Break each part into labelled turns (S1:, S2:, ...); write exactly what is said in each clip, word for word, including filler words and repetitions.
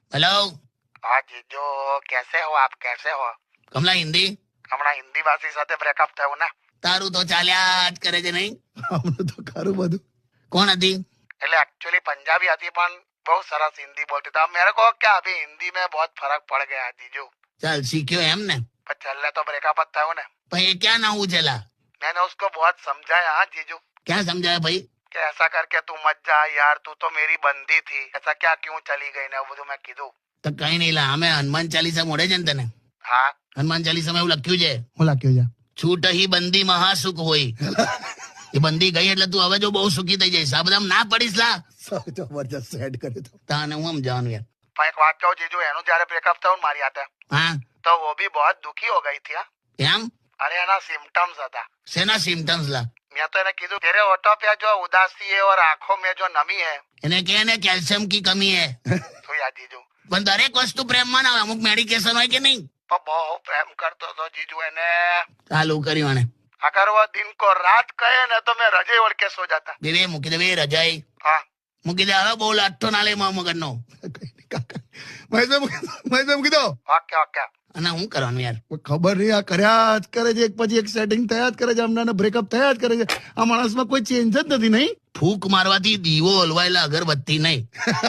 S1: Hello
S2: हाँ जीजू, कैसे हो आप? कैसे हो?
S1: કમલા હિન્દી
S2: હમણાં હિન્દી ભાષી સાથે બ્રેકઅપ થયું ને,
S1: તારું તો ચાલ્યા જ કરે છે નહીં?
S3: હમણાં તો ખરું બધું.
S1: કોણ હતી?
S2: એટલે एक्चुअली पंजाबी आती પણ બહુ સરસ हिंदी बोलती था। मेरे को क्या अभी हिंदी में बहुत फर्क पड़ गया है जीजू।
S1: ચાલ શીખ્યો એમ ને?
S2: पर चलने तो ब्रेकअप જ થયું ને।
S1: ભાઈ એ ક્યાં ના ઉછેલા?
S2: मैंने उसको बहुत समझाया हाँ जीजू,
S1: ક્યાં સમજાય ભાઈ?
S2: कि ऐसा करके तू मत जा यार, तू तो मेरी बंदी थी, ऐसा क्या क्यों चली गई ने બધું મેં કીધું।
S1: તો કઈ નહીં લા, અમે હનુમાન ચાલીસા મોડે છે ને તને?
S2: હા
S1: હનુમાન ચાલીસામાં એવું લખ્યું છે,
S3: હું લાગ્યો જા
S1: છૂટ હી બંદી મહાસુખ હોય. એ બંદી ગઈ એટલે તું હવે જો બહુ સુખી થઈ જઈશ. આ બધા ના પડીશ લા.
S3: સૌ જબરજસ્ત સેટ કર્યું તો.
S1: તાને હું સમજાવવાનું યાર.
S2: પણ એક વાત કહું જીજુ, એનું જયારે બ્રેકઅપ થયું ને મારી હાથે,
S1: હા
S2: તો वो भी बहुत दुखी हो गई थी हाँ।
S1: એમ?
S2: अरे एना सिम्टम्स હતા।
S1: શેના સિમ્ટમ્સ લા?
S2: मैं तो એને કીધું तेरे होठों पे जो उदासी है और आंखों में जो नमी है,
S1: એને કે ને કેલ્શિયમ કી કમી હે.
S2: तो यार जीजू
S1: પણ દરેક વસ્તુ પ્રેમમાં ના હોય, અમુક મેડિકેશન હોય કે નહીં?
S2: तो बहुत प्रेम करतो तो जीजू એને।
S1: ચાલુ કર્યું આને.
S2: अगर वो दिन को रात कहे ना तो मैं रजे ओढ़ के सो जाता।
S1: દેવે મૂકી દે બે રજાઈ
S2: हाँ
S1: મૂકી દે. હવે બહુ લાઠો ના લે મા મગજનો.
S3: કઈ નહીં કાકા. મહેશભાઈ મૂકી- મહેશભાઈ મૂકી દો.
S2: Okay okay.
S1: અને હું કરવાનું યાર?
S3: કોઈ ખબર નહીં, આ કર્યા જ કરે છે, એક પછી એક સેટિંગ થયા જ કરે છે, હમણાં બ્રેકઅપ થયા જ કરે છે. આ માણસમાં કોઈ ચેન્જ જ નથી નહીં.
S1: ફૂંક મારવાથી દીવો હલવાયેલા અગરબત્તી નહીં.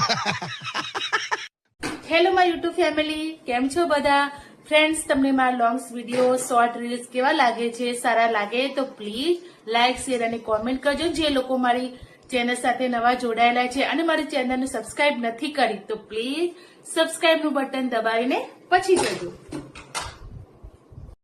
S4: હેલો માય યુટ્યુબ ફેમિલી, કેમ છો બધા ફ્રેન્ડ્સ? તમને મારા લોંગ્સ વિડીયો, શોર્ટ રીલ્સ કેવા લાગે છે? સારા લાગે તો પ્લીઝ લાઇક, શેર અને કોમેન્ટ કરજો. જે લોકો મારી ચેનલ સાથે નવા જોડાયેલા છે અને મારી ચેનલને સબસ્ક્રાઇબ નથી કરી તો પ્લીઝ સબસ્ક્રાઇબનું બટન દબાવીને પછી જજો.